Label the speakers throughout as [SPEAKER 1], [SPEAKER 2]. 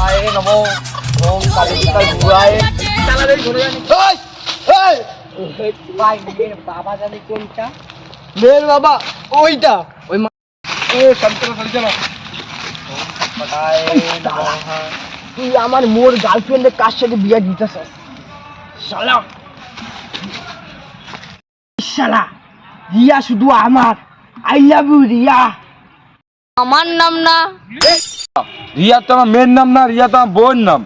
[SPEAKER 1] আয় নমো ওম কালিকায় বুড়ায় চালাবে ঘুরে জানি এই এই ভাই মেয়ের বাবা জানি কোনটা মেয়ের বাবা ওইটা ওই এ সন্তরা চলো পটায় নমঃ তুই আমার মোর গার্লফ্রেন্ডের কার সাথে বিয়ে দিতেছস শালা শালা রিয়া শুধু আমার আই লাভ ইউ রিয়া
[SPEAKER 2] আমার নাম না
[SPEAKER 3] রিয়া তো আমার মেয়ের নাম না, রিয়া তো আমার বোন নাম।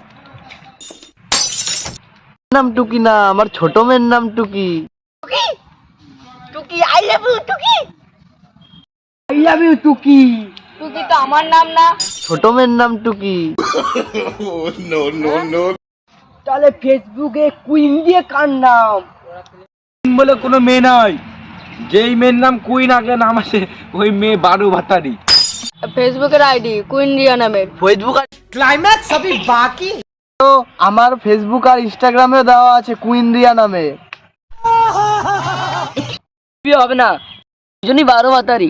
[SPEAKER 1] নাম টুকি না, আমার ছোট মেয়ের নাম Tuki. Tuki I love you Tuki I love you Tuki.
[SPEAKER 2] Tuki তো আমার নাম না।
[SPEAKER 1] ছোট মেয়ের নাম টুকি।
[SPEAKER 3] No no no.
[SPEAKER 1] তাহলে ফেসবুকে কুইন দিয়ে কার নাম?
[SPEAKER 3] বলে কোনো মেয়ে নাই, যেই মেয়ের নাম কুইন আগে নাম আসে ওই মেয়ে বারো ভাতারি।
[SPEAKER 2] ফেসবুকের আইডি কুইন রিয়া নামের।
[SPEAKER 1] ফেসবুক ক্লাইম্যাক্স সবই বাকি। তো আমার ফেসবুক আর ইনস্টাগ্রামে দেওয়া আছে কুইন রিয়া নামে।
[SPEAKER 2] বিয়ে হবে না, দুজনই 12 ভাতারি।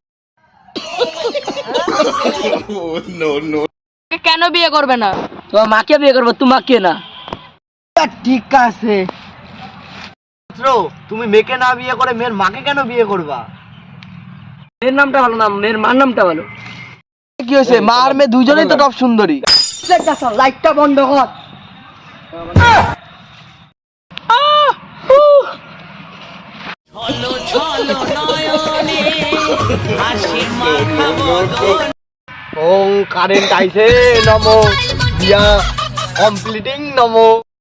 [SPEAKER 3] No no.
[SPEAKER 2] কেন বিয়ে করবে না? তোমার মাকে বিয়ে করবে, তোমাকে না।
[SPEAKER 1] ঠিক আছে, তুমি মেয়েকে না বিয়ে করে মেয়ের মাকে কেন বিয়ে করবা?
[SPEAKER 2] মেয়ের নামটা ভালো না, মেয়ের মার নামটা ভালো।
[SPEAKER 1] কি হয়েছে? মা আর মেয়ে দুজনেই তো টপ সুন্দরী। লাইটটা বন্ধ কর। ওম কারেন্ট আইছে নমো দিয়া কমপ্লিটিং নমো।